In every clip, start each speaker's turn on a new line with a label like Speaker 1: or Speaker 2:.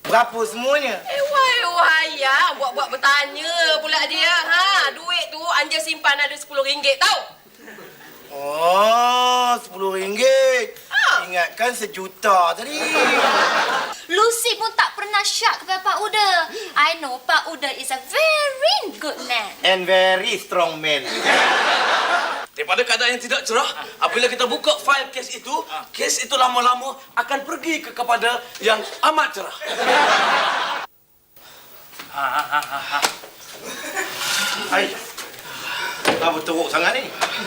Speaker 1: Berapa semuanya?
Speaker 2: Wah ya, buat bertanya pula dia. Duit tu Anja simpan ada RM10 tau.
Speaker 1: Oh, RM10. Ingatkan sejuta tadi.
Speaker 3: Lucy pun tak pernah syak kepada Pak Uda. I know Pak Uda is a very good man.
Speaker 1: And very strong man.
Speaker 4: Daripada keadaan yang tidak cerah, apabila kita buka fail kes itu lama-lama akan pergi kepada yang amat cerah.
Speaker 1: Hai. Kenapa teruk sangat ni?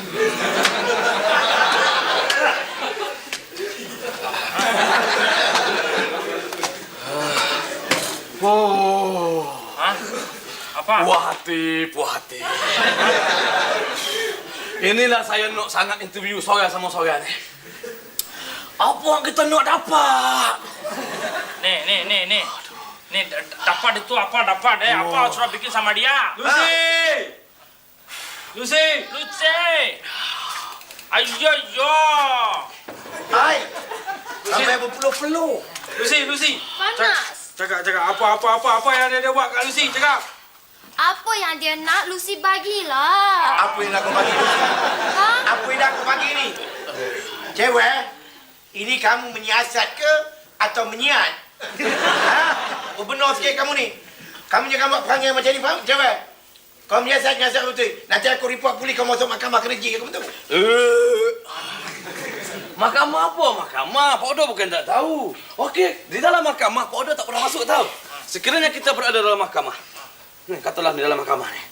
Speaker 4: Oh.
Speaker 5: Apa?
Speaker 4: Puas hati. Inilah saya nak sangat interview seorang sama seorang ni. Apa yang kita nak dapat?
Speaker 5: Nih. Nih, dapat itu apa dapat apa sudah bikin sama dia? Lucy. Ayo.
Speaker 1: Hai. Sampai berpeluh-peluh.
Speaker 5: Lucy.
Speaker 3: Panas.
Speaker 5: Cakap apa yang dia buat kat Lucy? Cakap.
Speaker 3: Apa yang dia nak, Lucy bagilah.
Speaker 1: Apa yang nak kau bagi? Apa yang nak kau bagi ni? Cewek, ini kamu menyiasat ke atau menyiat? Benar sikit kamu ni. Kamu jangan buat perangai macam ni, faham? Cewek, kau menyiasat betul. Nanti aku report polis kau masuk mahkamah kerja, kamu tahu?
Speaker 4: Mahkamah apa? Mahkamah. Pak Odo bukan tak tahu. Okey, di dalam mahkamah Pak Odo tak pernah masuk tahu. Sekiranya kita berada dalam mahkamah. Katalah di dalam mahkamah ni.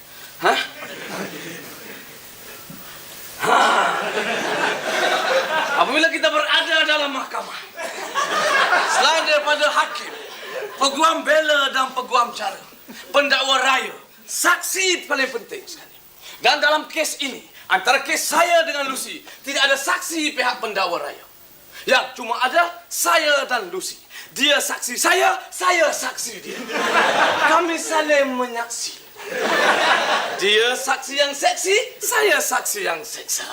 Speaker 4: Apabila kita berada dalam mahkamah, selain daripada hakim, peguam bela dan peguam cara, pendakwa raya, saksi paling penting sekali. Dan dalam kes ini, antara kes saya dengan Lucy, tidak ada saksi pihak pendakwa raya. Yang cuma ada saya dan Lucy. Dia saksi saya saksi dia. Kami saling menyaksi. Dia saksi yang seksi, saya saksi yang seksa.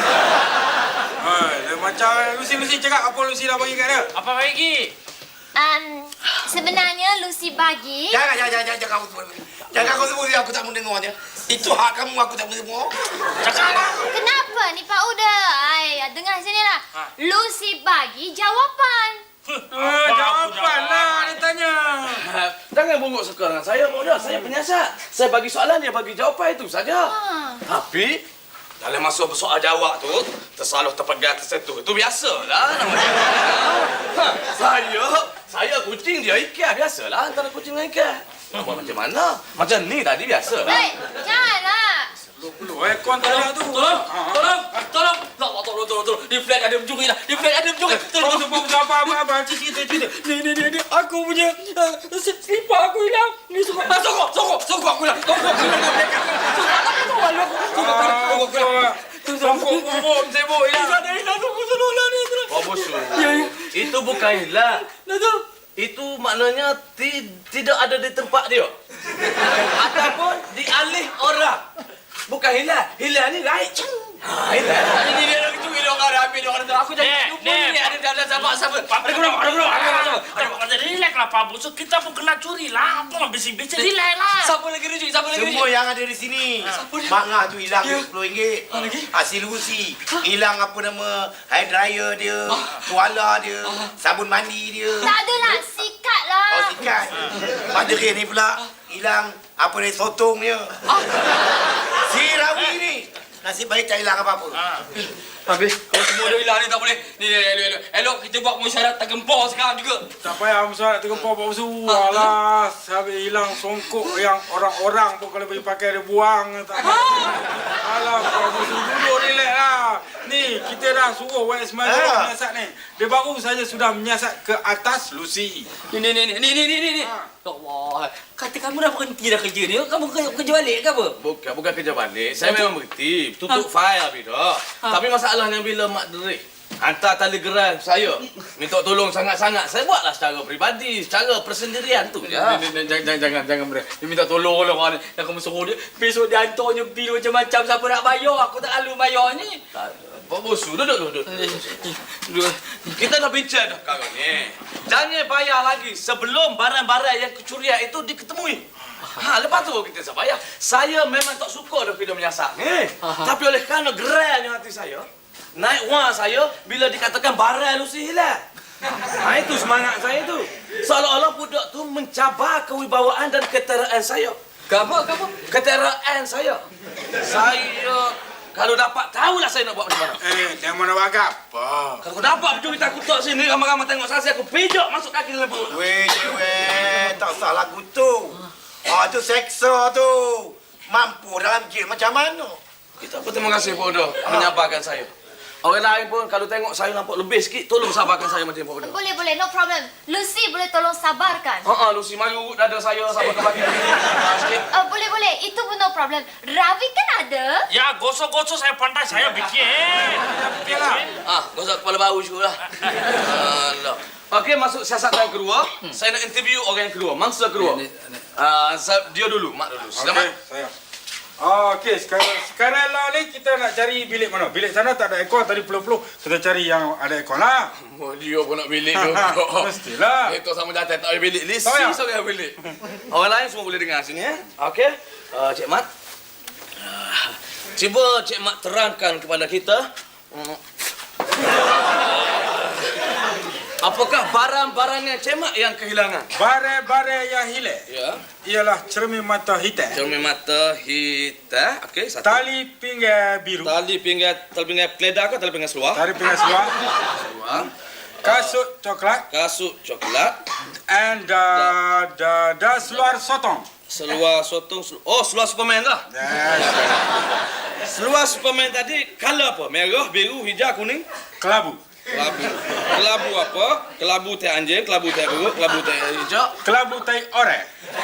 Speaker 5: Macam Lucy cakap apa Lucy dah bagi kat dia? Apa bagi?
Speaker 3: Sebenarnya Lucy bagi.
Speaker 1: Jangan kau sebut dia, aku tak mau dengarnya. Itu hak kamu, aku tak mau dengar.
Speaker 5: Cakaplah.
Speaker 3: Kenapa ni Pak Uda? Dengar sinilah. Lucy bagi jawapan.
Speaker 5: Jawapan lah dia tanya.
Speaker 4: Jangan bongok suka dengan saya, Pak Odo. Saya penyiasat. Saya bagi soalan, dia bagi jawapan, itu saja. Tapi dalam masa bersoal jawab tu, tersalah terpegang tersentuh. Itu biasalah namanya. Saya kucing, dia ikan. Biasalah antara kucing dengan ikan. Nak buat macam mana? Macam ni tadi biasalah.
Speaker 3: Hei, janganlah.
Speaker 5: Perlu aircon tak ada tu.
Speaker 4: Tolong. Di flat ada mencuri dah.
Speaker 5: Tolong sebut apa cerita. Ni aku punya slipper aku hilang. Ni sokong aku hilang. Sokong sibuk hilang. Tolonglah ni.
Speaker 4: Oh, bosu. Itu bukan hilang. Itu maknanya tidak ada di tempat dia. Ataupun dialih orang. Bukan hilang. Hilang ni raih. Hilang. Ini dia nak curi dia orang ambil dia orang. Aku jadi lupa ni ada sahabat.
Speaker 5: Ada relax lah Pak Bos. Kita pun kena curi lah. Apa bising-bising relax lah.
Speaker 4: Siapa lagi rujuk?
Speaker 1: Semua yang ada di sini. Mak Ngah tu hilang RM10. Hasil Lucy. Hilang apa nama hair dryer dia, tuala dia, sabun mandi dia.
Speaker 3: Tak adalah, sikat lah.
Speaker 1: Oh, sikat. Mak Derin ni pula hilang apa dia sotong dia. Si Rawi ni. Nasib baik tak hilang apa-apa.
Speaker 4: Habis. Kalau semua dah hilang ni tak boleh. Ni, elok kita buat mesyuarat tergempur sekarang juga.
Speaker 5: Tak payah mesyuarat tergempur Pak Bos. Alah, habis hilang songkok yang orang-orang pun kalau pergi pakai dia buang. Alah, Pak Bos duduk relax lah. Ni, kita dah suruh YS Madu menyiasat ni. Dia baru saja sudah menyiasat ke atas Lucy.
Speaker 4: Ni. Ya Allah. Kata kamu dah berhenti dah kerja ni. Kamu kerja balik ke apa? Bukan kerja balik. Saya memang berhenti. Tutup file habis dah. Tapi masalahnya bila Mak Derik hantar telegram saya minta tolong sangat-sangat, saya buatlah secara peribadi, secara persendirian tu je. Jangan bre. Dia minta tolong orang ni. Kamu suruh dia besok dia hantarnya bil macam-macam, siapa nak bayar? Aku tak lalu bayar ni. Pak Bosu, duduk. Kita dah bincang dah kawan ni. Jangan bayar lagi sebelum barang-barang yang kecurian itu diketemui. Lepas tu kita tak bayar. Saya memang tak suka dah video menyasak ni. Tapi oleh kerana gerainya hati saya, naik wang saya bila dikatakan barang Lucy hilang. Itu semangat saya tu. Seolah-olah budak tu mencabar kewibawaan dan keteraan saya.
Speaker 6: Apa?
Speaker 4: Keteraan saya. Saya kalau dapat tahulah saya nak buat macam mana.
Speaker 5: Jangan mana buat apa?
Speaker 4: Kalau dapat betul kita kutuk sini ramai-ramai tengok saya aku pijak masuk kaki dalam perut.
Speaker 1: Weh, tak salah kutu. Tu seksa tu. Mampu dalam jail macam mana?
Speaker 4: Kita pun terima kasih Pak Uda menyabarkan saya. Orang lain pun kalau tengok saya nampak lebih sikit, tolong sabarkan saya macam Pak Uda.
Speaker 3: Boleh, no problem. Lucy boleh tolong sabarkan.
Speaker 4: Lucy mari dada saya sabarkan bagi. Sikit.
Speaker 3: Boleh. Itu pun no problem. Ravi kan ada?
Speaker 7: Ya, gosok-gosok saya pandai, saya bikin.
Speaker 4: Gosok kepala bau juga lah. Allah. Okey, masuk siasat yang kedua. Saya nak interview orang yang kedua, mangsa kedua. Dia dulu, Mak dulu. Selamat.
Speaker 5: Okey, saya. Okey, sekarang lah ni kita nak cari bilik mana? Bilik sana tak ada aircon, tadi peluh-peluh. Kita cari yang ada aircon lah.
Speaker 4: Dia pun nak bilik tu.
Speaker 5: Mestilah.
Speaker 4: Itu sama datang tak ada bilik. Lisi
Speaker 5: Tahu ya?
Speaker 4: seorang bilik. Orang lain semua boleh dengar sini. Okey. Cik Mat. Cuba Cik Mat terangkan kepada kita. Apakah barang-barangnya Cik Mat yang kehilangan?
Speaker 5: Barang-barang yang hilang
Speaker 4: Ya.
Speaker 5: ialah cermin mata hitam,
Speaker 4: Cermin mata hitam. Okey, satu.
Speaker 5: tali pinggang biru,
Speaker 4: Tali pinggang keledar ke tali pinggang seluar?
Speaker 5: tali pinggang seluar,
Speaker 4: Seluar.
Speaker 5: kasut coklat,
Speaker 4: Kasut coklat.
Speaker 5: and seluar sotong.
Speaker 4: Seluar sotong. Seluar Superman lah. Seluar Superman tadi color apa? Merah, biru, hijau, kuning?
Speaker 5: Kelabu.
Speaker 4: Kelabu apa? Kelabu teh anjing, kelabu teh biru, kelabu teh hijau.
Speaker 5: Kelabu tai oranye.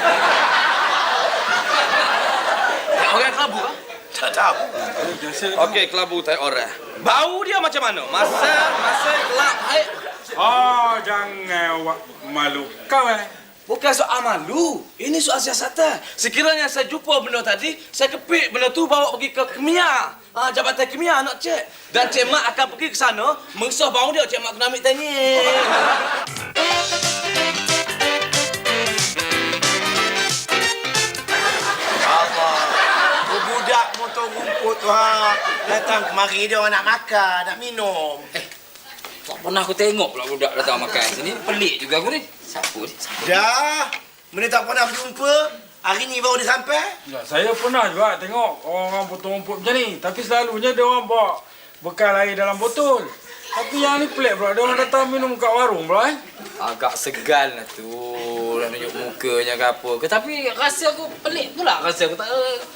Speaker 4: Orang kelabu ah?
Speaker 1: Tak tahu.
Speaker 4: Okey, kelabu teh oranye. Bau dia macam mana? Masa gelap.
Speaker 5: Jangan awak malu kau
Speaker 4: Bukan soal malu. Ini soal siasatan. Sekiranya saya jumpa benda tadi, saya kepik benda tu bawa pergi ke Kemia. Jabatan Kemia nak cek. Dan Cik Mat akan pergi ke sana, mengesah bau dia. Cik Mat kena ambil tanya.
Speaker 1: Budak motor rumput tu datang kemari dia orang nak makan, nak minum.
Speaker 6: Tak pernah aku tengok pula budak datang makan sini. Pelik juga aku ni. Siapa ni?
Speaker 1: Dah, mana tak pernah berjumpa. Hari ni baru dia sampai.
Speaker 5: Ya, saya pernah juga tengok orang potong rumput macam ni. Tapi selalunya dia orang bawa bekal air dalam botol. Tapi yang ni pelik pula. Dia orang datang minum kat warung pula
Speaker 6: Agak segan lah tu. Nak tunjuk mukanya ke apa ke. Tapi rasa aku pelik pula. Rasa aku tak...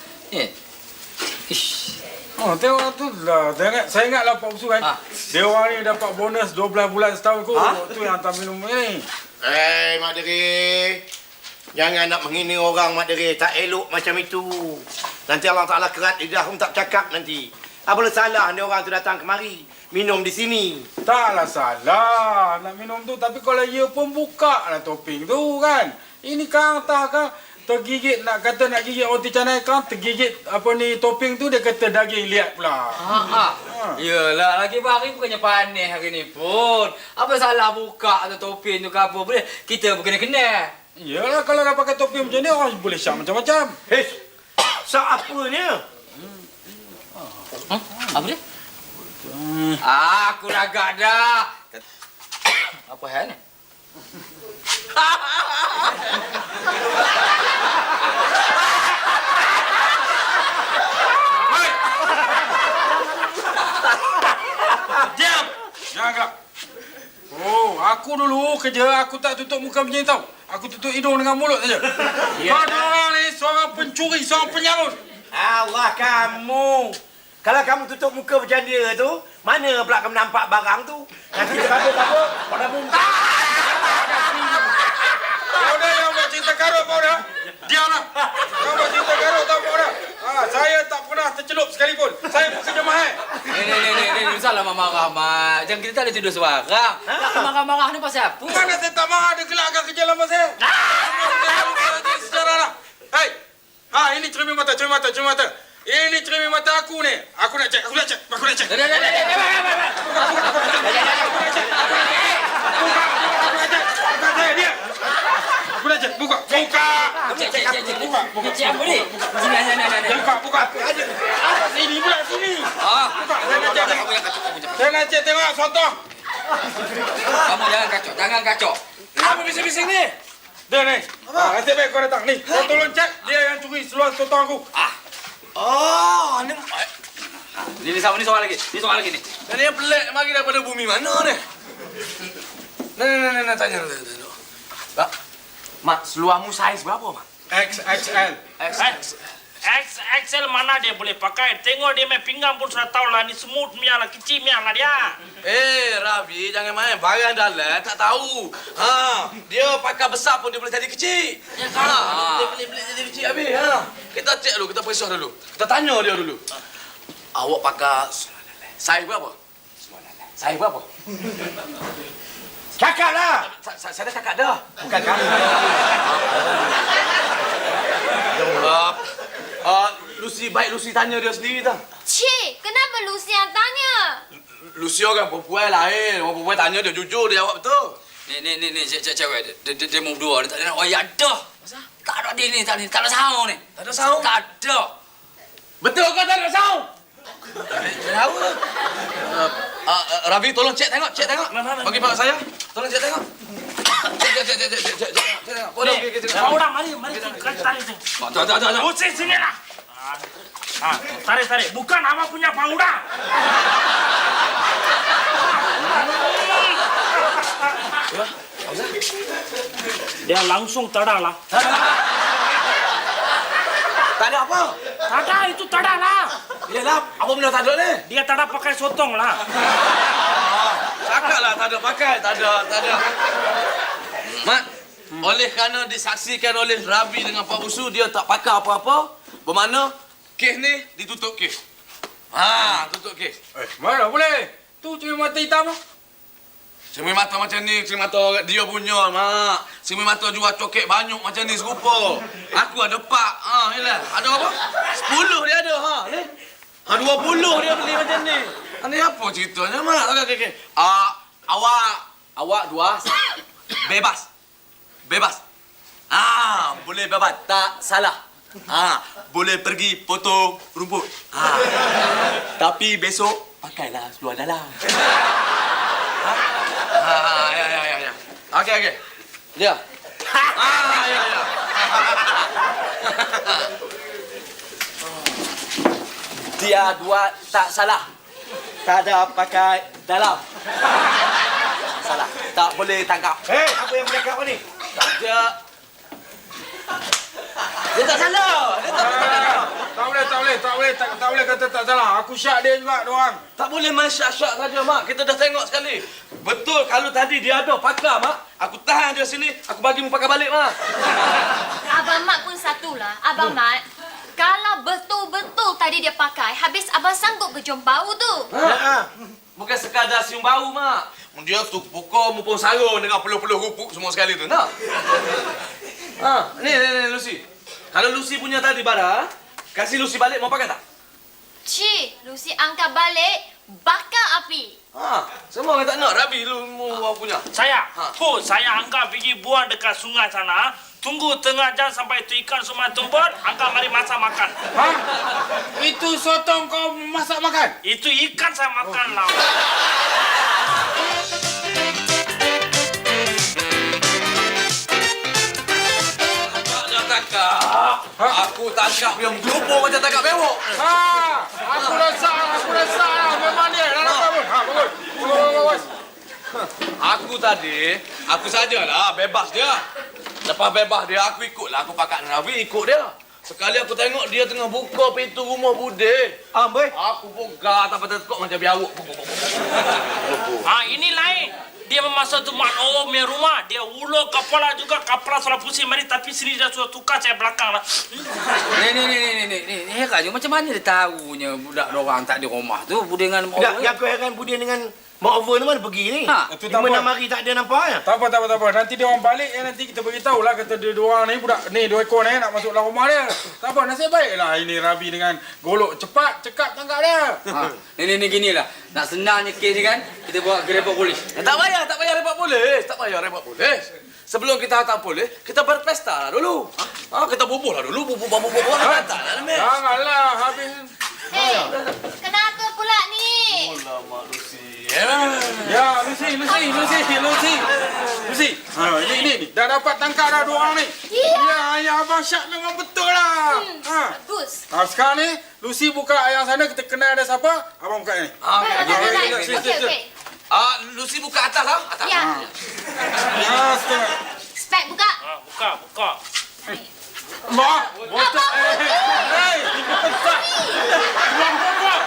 Speaker 6: Ish.
Speaker 5: Tengok tu lah. Saya ingatlah Pak Usu kan. Dia orang ni dapat bonus 12 bulan setahun kot. Tu yang hantar minum ni.
Speaker 1: Mak Deri. Jangan nak menghina orang, Mak Deri. Tak elok macam itu. Nanti Allah Ta'ala kerat lidah pun tak cakap nanti. Apalah salah ni orang tu datang kemari. Minum di sini.
Speaker 5: Taklah salah nak minum tu. Tapi kalau ia pun buka lah toping tu kan. Ini kan tak kan. Tergigit nak kata nak gigit roti canai kan. Tergigit apa ni toping tu dia kata daging liat pula.
Speaker 6: Yelah, lagi hari bukannya panas hari ni pun. Apa salah buka tu topeng tu ke apa boleh. Kita berkena-kena.
Speaker 5: Iyalah kalau dah pakai topeng macam ni orang boleh syak macam-macam.
Speaker 1: Hei, sak apanya?
Speaker 6: Apa dia? Aku ragak dah. Apa hal ni?
Speaker 5: Diam! Jangan gelap. Aku dulu kerja, aku tak tutup muka macam ni tau. Aku tutup hidung dengan mulut saja. Kau orang ni seorang pencuri, seorang penyarut.
Speaker 1: Allah kamu. Kalau kamu tutup muka macam dia tu, mana pula kamu nampak barang tu? Nanti terkabur-kabur, pada muntah.
Speaker 5: Kau dah yang buat cinta karut, kau dah. Diamlah. Kau buat cinta karut tau, kau dah. Saya tak pernah tercelup sekalipun. Saya bekerja mahal.
Speaker 6: Ni, salah marah, Mak. Jangan kita tak boleh tidur sebarang. Nak marah-marah ni pasal apa?
Speaker 5: Mana saya tak marah, dia gelakkan kerja lama saya. Sejarah lah. Hei, ini cermin mata. Ini cermin mata aku ni. Aku nak cek.
Speaker 6: Dah.
Speaker 5: Aku nak cek. Buka.
Speaker 6: Cik apa ni? Sini.
Speaker 5: Buka. Sini pula, sini. Buka. Saya nak cek tengok contoh.
Speaker 6: Kamu jangan kacau.
Speaker 5: Apa bising-bising ni? Dia ni. Nanti baik kau datang. Ni, kau tolong cek. Dia yang curi seluar contoh aku.
Speaker 6: Ni soal lagi. Ni soal lagi ni.
Speaker 4: Dan yang pelik mari daripada bumi mana ni? Nah, tanya. Mak, Mak, seluarmu saiz berapa, Mak?
Speaker 5: XXL.
Speaker 7: XXL mana dia boleh pakai? Tengok dia main pinggang pun sudah tahu lah. Ni smooth punya lah, kecil punya lah dia.
Speaker 4: Rabi, jangan main. Barang dalam tak tahu. Dia pakai besar pun dia boleh jadi kecil. Ya kan? Dia boleh jadi kecil habis. Kita cek dulu, kita periksa dulu. Kita tanya dia dulu. Awak pakai saiz berapa? Saiz berapa?
Speaker 1: Cakap lah.
Speaker 4: Saya dah cakap dah.
Speaker 1: Bukan kamu.
Speaker 4: Lucy, baik Lucy tanya dia sendiri dah.
Speaker 3: Cik, kenapa Lucy yang tanya?
Speaker 4: Lucy orang perempuan lain. Orang perempuan tanya dia jujur, dia jawab betul.
Speaker 6: Ni cewek dia mau berdua. Dia tak ada nak wayak dah. Tak ada dia ni, tak ada saung ni.
Speaker 4: Tak ada saung?
Speaker 6: Tak ada.
Speaker 4: Betul kau tak ada saung? Tahu. Ravi, tolong cek tengok. Bagi pak saya. Tolong cek tengok. Cek tengok.
Speaker 7: Paudah, mari kita tarik tu.
Speaker 4: Tak.
Speaker 7: Lucy sini lah. Tarik. Bukan apa punya paudah. Dia langsung tada lah.
Speaker 4: Tak ada apa?
Speaker 7: Tada itu tada lah.
Speaker 4: Yalah, apa benda tak ada ni?
Speaker 7: Dia tada pakai sotong lah.
Speaker 4: Cakaplah tak ada pakai, tak ada. Mak, oleh kerana disaksikan oleh Rabi dengan Pak Usu, dia tak pakai apa-apa, bermakna kes ni ditutup kes. Tutup kes.
Speaker 5: Mana boleh? Tu cermin mata hitam.
Speaker 4: Cermin mata macam ni, cermin mata dia punya, Mak. Cermin mata jual coket banyak macam ni serupa. Aku ada 4. Yalah. Ada apa? 10 dia ada, ni. 20 dia beli macam ni. Ni apa ceritanya, Mak? Okey. Awak dua bebas. Boleh bebas, tak salah. Boleh pergi potong rumput. Tapi besok pakailah seluar dalam. Ya. Okey. Dia. Ya. Dia dua tak salah. Tak ada pakai dalam. Salah. Tak boleh tangkap.
Speaker 1: Apa yang bercakap ni?
Speaker 4: Dia tak salah.
Speaker 5: Tak boleh kata tak salah. Aku syak dia juga, doang.
Speaker 4: Tak boleh main syak-syak saja, Mak. Kita dah tengok sekali. Betul kalau tadi dia ada pakai, Mak. Aku tahan dia sini, aku bagi mu pakai balik, Mak.
Speaker 3: Abang Mat pun satulah. Abang Mat, kalau betul-betul tadi dia pakai, habis abang sanggup ke cium bau tu?
Speaker 4: Bukan sekadar cium bau, Mak. Dia tu pukul mumpung sarung dengan peluh-peluh rupuk semua sekali tu, nak? Ni, Lucy. Kalau Lucy punya tadi barang, kasih Lucy balik, mau pakai tak?
Speaker 3: Cik, Lucy angkat balik, bakar api.
Speaker 4: Semua orang tak nak. Rabi lu mau punya.
Speaker 7: Saya angkat pergi buang dekat sungai sana. Tunggu tengah jam sampai itu ikan semua tumpul, angkat mari masak makan.
Speaker 5: Itu sotong kau masak makan?
Speaker 7: Itu ikan saya makan lah.
Speaker 4: Aku tangkap yang gelubung macam tangkap bewok.
Speaker 5: Aku rasa memang dia. Bagus.
Speaker 4: Aku sajalah bebas dia. Lepas bebas dia, aku ikutlah. Aku pakat Rabi, ikut dia. Sekali aku tengok dia tengah buka pintu rumah bude.
Speaker 1: Boy.
Speaker 4: Aku buka tak tekuk macam biawak.
Speaker 7: Ini lain. Dia memasuk tu mak punya rumah. Dia ulur kepala juga. Kepala sudah pusing mari. Tapi sini dia sudah tukar saya belakang lah.
Speaker 6: Ni heran je macam mana dia tahunya budak orang tak di rumah tu. Bude dengan
Speaker 1: Tak, yang aku heran Budi dengan Mak over ni mana pergi ni?
Speaker 6: Ha,
Speaker 5: itu tak
Speaker 1: 5-6
Speaker 5: apa.
Speaker 1: hari tak ada nampak ya?
Speaker 5: Tak apa. Nanti dia orang balik nanti kita beritahu lah kata dia dua orang ni budak ni 2 ekor ni nak masuk dalam rumah dia. Tak apa, nasib baiklah ini Rabi dengan golok cepat cekap tangkap dia.
Speaker 6: Ni gini lah. Nak senangnya kes ni kan, kita bawa ke report polis.
Speaker 4: Tak payah report polis. Sebelum kita hantar polis, kita berpesta lah dulu. Kita bubuh lah dulu, bubuh. Tak lah, Meh.
Speaker 5: Janganlah habis.
Speaker 3: Kenapa pula ni?
Speaker 5: Ya, Lucy. Ini dah dapat tangkap dah 2 orang ni. Ya, ayah Abang Syak memang betul lah.
Speaker 3: Bagus.
Speaker 5: Sekarang ni Lucy buka yang sana kita kenal ada siapa? Abang buka ni.
Speaker 3: Okey.
Speaker 4: Lucy buka atas lah. Atas.
Speaker 3: Ya.
Speaker 5: Setengah.
Speaker 3: Spek buka.
Speaker 7: Buka.
Speaker 5: Mak, botak. Hei, botak. Buang.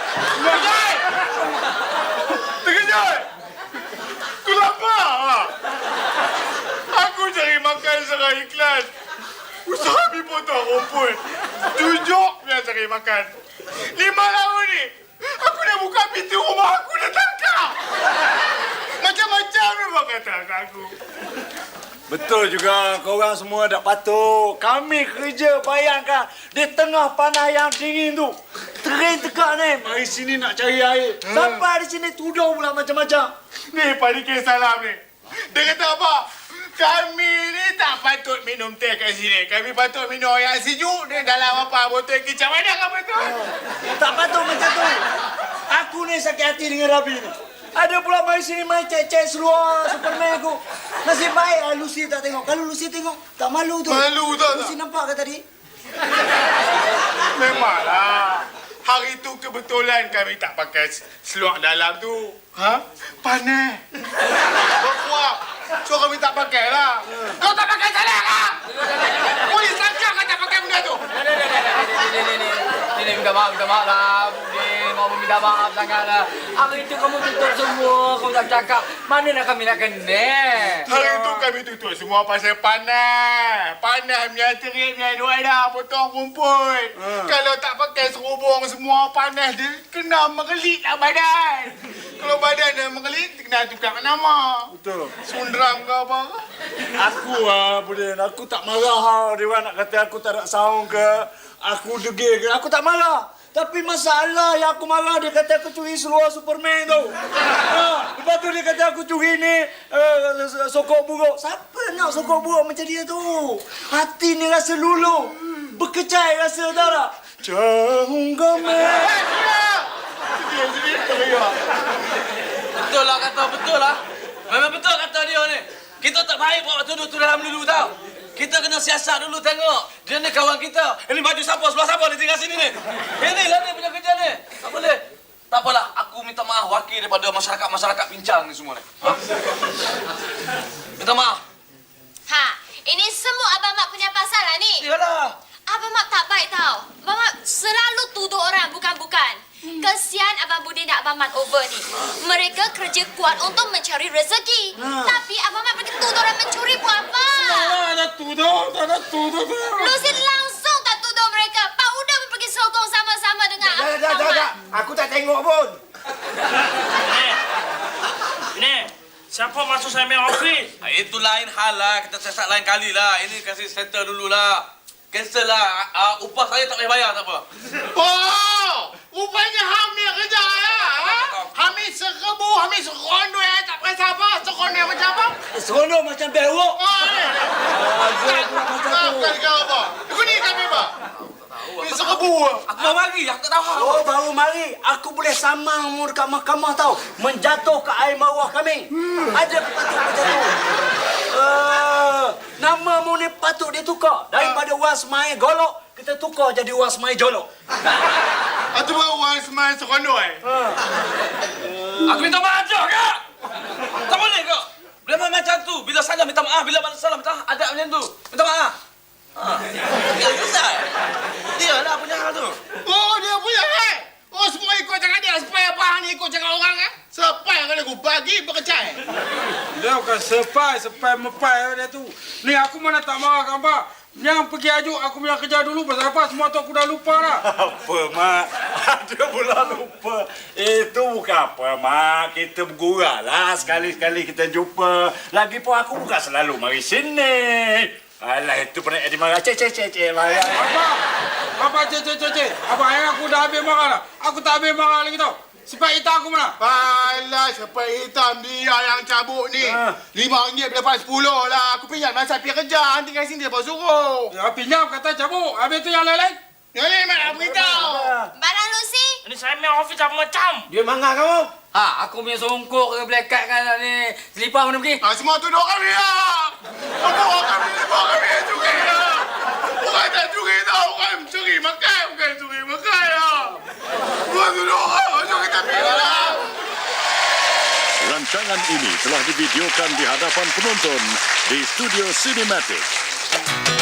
Speaker 5: Terkejut. Kenapa? Aku cari makan secara ikhlas. Usaha mi potong rumput. Tujuk dia cari makan. 5 tahun ni, aku dah buka pintu rumah aku dah tangkap. Macam-macam memang kata aku.
Speaker 8: Betul juga, korang semua tak patut. Kami kerja, bayangkan di tengah panas yang dingin tu. Terin tekak ni, mari sini nak cari air. Sampai di sini tudung pula macam-macam.
Speaker 5: Ni Pak Dikir salam ni. Dia kata apa? Kami ni tak patut minum teh kat sini. Kami patut minum air sejuk di dalam apa botol kicap. Mana kamu tu?
Speaker 8: Tak patut macam tu. Aku ni sakit hati dengan Rabi ni. Ada pula mari sini main cek-cek seluar Superman aku. Nasib baik Lucy tak tengok. Kalau Lucy tengok, tak malu tu.
Speaker 5: Malu tak?
Speaker 8: Lucy nampak ke tadi?
Speaker 5: Memanglah. Hari tu kebetulan kami tak pakai seluar dalam tu. Panas. Berkuap. So kami tak pakai lah. Kau tak pakai salah kah? Polis tangkap kau tak pakai benda tu.
Speaker 6: Ini minta maaf lah. Mau minta maaf sangatlah. Hari itu kamu tutup semua, kamu tak cakap. Mana nak kami nak kena?
Speaker 5: Hari tu kami tutup semua pasal panas. Panas punya terik punya luar dah potong rumput. Kalau tak pakai serubung semua panas dia kena mengelit lah badan. Kalau badan dah mengelit, kena tukar nama.
Speaker 8: Betul.
Speaker 5: Sundram ke apa?
Speaker 8: Aku Budin, aku tak marah. Dia orang nak kata aku tak nak saung ke. Aku degil ke. Aku tak marah. Tapi masalah yang aku marah, dia kata aku curi seluar Superman tu. Lepas tu dia kata aku curi ni sokok buruk. Siapa nak sokok buruk macam dia tu? Hati ni rasa lulu. Berkecai rasa tak tak? Cahung gamai.
Speaker 4: Betul lah. Memang betul kata dia ni. Kita tak baik buat tuduh tu dalam dulu tau. Kita kena siasat dulu tengok. Dia ni kawan kita. Ini baju siapa, sebelah siapa dia tinggal sini ni. Inilah dia punya kerja ni. Tak boleh. Tak apalah, aku minta maaf wakil daripada masyarakat pincang ni semua ni. Minta maaf.
Speaker 3: Ini semua Abang Mat punya pasal lah ni.
Speaker 4: Iyalah.
Speaker 3: Abang Mat tak baik tau. Abang Mat selalu tuduh orang bukan-bukan. Kesian Abang Budi dan Abang Mat over ni. Mereka kerja kuat untuk mencari rezeki. Tapi Abang Mat pergi tuduh orang mencuri buat apa?
Speaker 5: Tak ada tuduh.
Speaker 3: Lucy langsung tak tuduh mereka. Pak Uda pun pergi sokong sama-sama dengan Abang Mat.
Speaker 1: Aku tak tengok pun.
Speaker 7: Ini, siapa masuk saya punya office?
Speaker 4: Itu lain hal lah. Kita siasat lain kali lah. Ini kasih settle dulu lah. Cancel lah. Upah saya tak payah bayar, tak apa.
Speaker 5: Oh! Rupanya Hamid kerja ya? Hamid seribu, Hamid serono ya? Tak payah apa? Serono macam apa?
Speaker 8: Serono macam bewok.
Speaker 5: Bukan kau apa? Aku ni kami apa? Ni seribu.
Speaker 4: Aku baru mari. Aku tak tahu.
Speaker 8: Oh, baru mari. Aku boleh samang mu dekat mahkamah tau. Menjatuh ke air bawah kami. Ada patut macam tu. Nama mu ni patut ditukar. Daripada was mai golok, kita tukar jadi was mai jolok.
Speaker 5: Itu baru orang semai serono
Speaker 4: Aku minta maaf je, Kak. Tak boleh, Kak. Bila macam tu, bila salah minta maaf, bila salah minta maaf, ada macam tu. Minta maaf. Ya, susah. Dia lah punya hal tu.
Speaker 5: Oh, dia punya Oh, semua ikut cakap dia. Supaya apa ni ikut cakap orang Sepai kalau aku bagi berkecai. Dia bukan sepai mepai dia tu. Ni aku mana tak marah kan, Pak. Yang pergi ajuk aku punya kerja dulu. Pasal apa? Semua tu aku dah lupa dah.
Speaker 8: Apa, Mak? Dia pula lupa. Itu bukan apa, Mak. Kita bergurau lah. Sekali-sekali kita jumpa. Lagipun aku bukan selalu mari sini. Alah, itu pernah Eddie marah. Cek.
Speaker 5: Apa, cek. Abang, aku dah habis marah lah. Aku tak habis marah lagi tau. Sipak hitam aku mana?
Speaker 9: Alah, siapa hitam dia yang cabut ni. RM5 lepas 10 lah. Aku pinjam masa pergi kerja. Nanti kat sini dia bawa suruh.
Speaker 5: Ya, pinjam kata cabut. Habis tu yang lain-lain.
Speaker 9: Yang ni mana beritahu.
Speaker 3: Barang Lucy.
Speaker 7: Ini saya main office apa macam?
Speaker 1: Dia mangga kamu.
Speaker 6: Ha, aku punya songkok ke black kan ni. Selipar mana pergi?
Speaker 9: Semua tu dua kami lah. Dua kami curi lah. Bukan tak curi tau. Bukan curi makan. Lah. Dua tu dua. Curi tapi lah.
Speaker 10: Rancangan ini telah divideokan di hadapan penonton di Studio Cinematic.